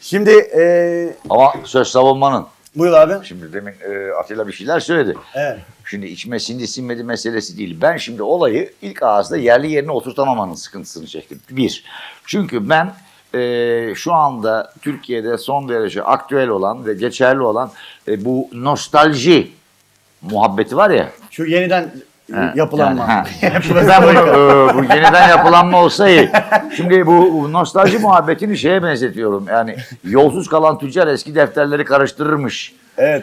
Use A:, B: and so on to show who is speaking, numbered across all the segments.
A: Şimdi
B: Ama söz savunmanın.
A: buyur abi.
B: Şimdi demin Atilla bir şeyler söyledi.
A: Evet.
B: Şimdi içime sindi sinmedi meselesi değil. Ben şimdi olayı ilk ağızda yerli yerine oturtamamanın sıkıntısını çektim. Bir, çünkü ben şu anda Türkiye'de son derece aktüel olan ve geçerli olan bu nostalji muhabbeti var ya.
A: Şu yeniden yapılanma.
B: Şimdi ben bunu bu yeniden yapılanma olsa iyi. Şimdi bu nostalji muhabbetini şeye benzetiyorum. Yani yolsuz kalan tüccar eski defterleri karıştırırmış.
A: Evet.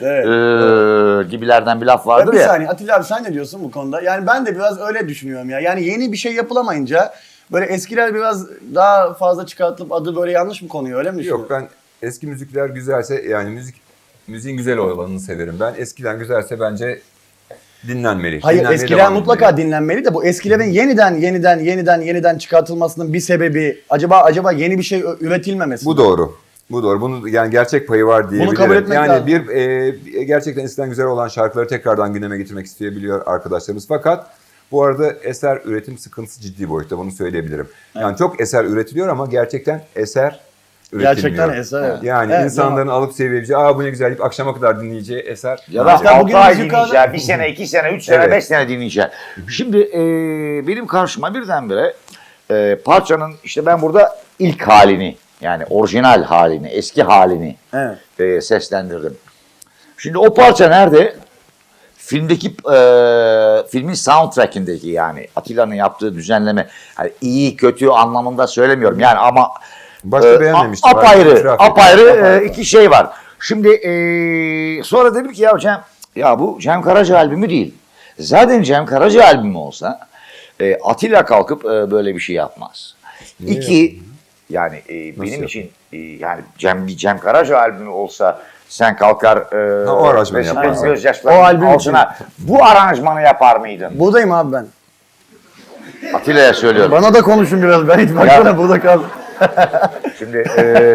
B: Gibilerden bir laf vardır
A: Bir
B: ya.
A: saniye Atilla abi sen ne diyorsun bu konuda? Yani ben de biraz öyle düşünüyorum ya. Yani yeni bir şey yapılamayınca böyle eskiler biraz daha fazla çıkartılıp adı böyle yanlış mı konuyor, öyle mi düşünüyorsun?
C: Yok, ben eski müzikler güzelse yani müziğin güzel olanını severim. Ben eskiden güzelse bence dinlenmeli.
A: Hayır,
C: Dinlenmeye
A: eskiler
C: devam
A: mutlaka
C: edilmeli.
A: dinlenmeli de bu eskilerin yeniden çıkartılmasının bir sebebi acaba yeni bir şey üretilmemesi.
C: Bu doğru. Bu doğru. Bunun yani gerçek payı var diyebilirim.
A: kabul etmek
C: yani
A: lazım.
C: gerçekten eskiden güzel olan şarkıları tekrardan gündeme getirmek isteyebiliyor arkadaşlarımız. Fakat bu arada eser üretim sıkıntısı ciddi boyutta, bunu söyleyebilirim. Yani çok eser üretiliyor ama gerçekten eser üretilmiyor.
A: Gerçekten eser. Evet.
C: Yani
A: Evet,
C: insanların alıp sevebileceği, bu ne güzel deyip akşama kadar dinleyeceği eser.
B: Ya da
A: İşte
B: 6
A: bugün
B: ay
A: müzik
B: dinleyeceğim, 1 sene, 2 sene, 3 sene,
C: Evet.
B: 5 sene dinleyeceğim. Şimdi benim karşıma birdenbire parçanın işte ben burada ilk halini, yani orijinal halini, eski halini seslendirdim. Şimdi o parça nerede? Filmdeki filmin soundtrack'indeki, yani Atilla'nın yaptığı düzenleme, yani iyi kötü anlamında söylemiyorum yani, ama
C: Başta beğenmemiştim.
B: apayrı iki şey var. Şimdi sonra dedim ki ya bu Cem Karaca albümü değil. Zaten Cem Karaca albümü olsa Atilla kalkıp böyle bir şey yapmaz. İki, yani benim için yani Cem Karaca albümü olsa sen kalkar
C: o aranjmanı yaparsın.
B: gözyaşlarının
A: O albüm
B: altına bu aranjmanı yapar mıydın?
A: Buradayım abi ben.
B: Atilla'ya söylüyorum.
A: Bana da konuşun biraz. Ben hiç baksana burada kaldım.
B: Şimdi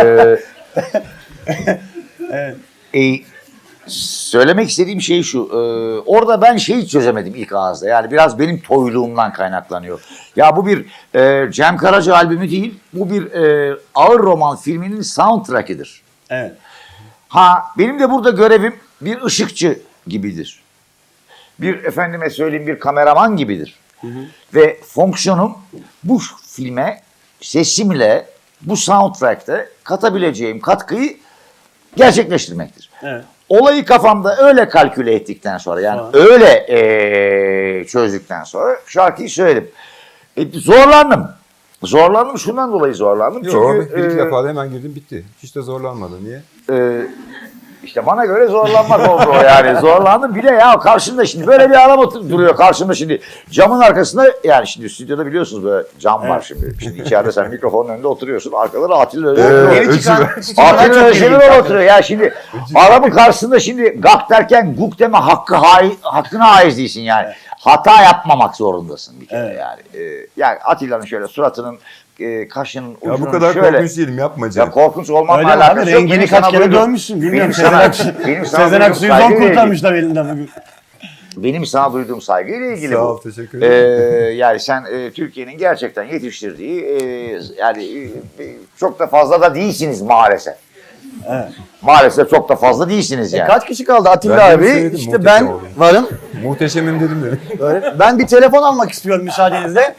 B: söylemek istediğim şey şu. Orada ben şeyi çözemedim ilk ağızda. Yani biraz benim toyluğumdan kaynaklanıyor. Ya bu bir Cem Karaca albümü değil. Bu bir ağır roman filminin soundtrack'idir.
A: Evet.
B: Benim de burada görevim bir ışıkçı gibidir. Bir efendime söyleyeyim bir kameraman gibidir. Ve fonksiyonum bu filme sesimle bu soundtrack'te katabileceğim katkıyı gerçekleştirmektir.
A: Evet.
B: Olayı kafamda öyle kalküle ettikten sonra, yani öyle çözdükten sonra şarkıyı söyledim. Zorlandım, şundan dolayı zorlandım.
C: Yok,
B: Çünkü
C: bir iki defa da hemen girdim, bitti. Hiç de zorlanmadı. Niye?
B: İşte bana göre zorlanmak oldu o yani. Zorlandım. Bir de ya karşımda şimdi böyle bir adam duruyor karşımda şimdi. Camın arkasında, yani şimdi stüdyoda biliyorsunuz böyle cam var şimdi. Şimdi içeride sen mikrofonun önünde oturuyorsun. Arkada Atilla Özdemir.
A: Yeni çıkan
B: Atilla Özdemir oturuyor ya şimdi. Adamın karşısında şimdi gak derken guk deme hakkına haiz değilsin yani. Hata yapmamak zorundasın bir kere yani. Yani Atilla'nın şöyle suratının kaşının ucunun
C: Ya bu kadar
B: şöyle.
C: korkunç değilim, yapma
B: Ya
C: Cem.
B: korkunç olmakla
A: Öyle mi
B: alakası
A: abi?
B: yok.
A: Rengini
B: Benim
A: kaç
B: sana
A: kere
B: duyduğum-
A: dövmüşsün. Bilmiyorum.
B: benim sana
A: Sezen
B: duyduğum
A: Aksu'yu zor
B: saygıyla
A: kurtarmışlar elinden bugün.
B: Benim sana duyduğum saygıyla ilgili
C: Sağ
B: bu.
C: ol, teşekkür ederim.
B: Yani sen Türkiye'nin gerçekten yetiştirdiği yani çok da fazla da değilsiniz maalesef.
A: Evet.
B: Maalesef çok da fazla değilsiniz yani.
A: Kaç kişi kaldı Atilla
C: Ben
A: abi?
C: söyledim,
A: İşte
C: muhteşem
A: ben
C: oldu.
A: varım.
C: Muhteşemim dedim.
A: Böyle. Ben bir telefon almak istiyorum müsaadenizle.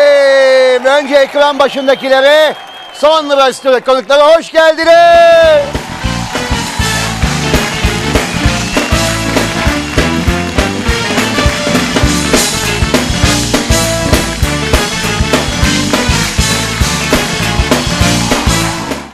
D: Efendim, önce ekran başındakilere, sonra stüdyo konuklara hoş geldiniz.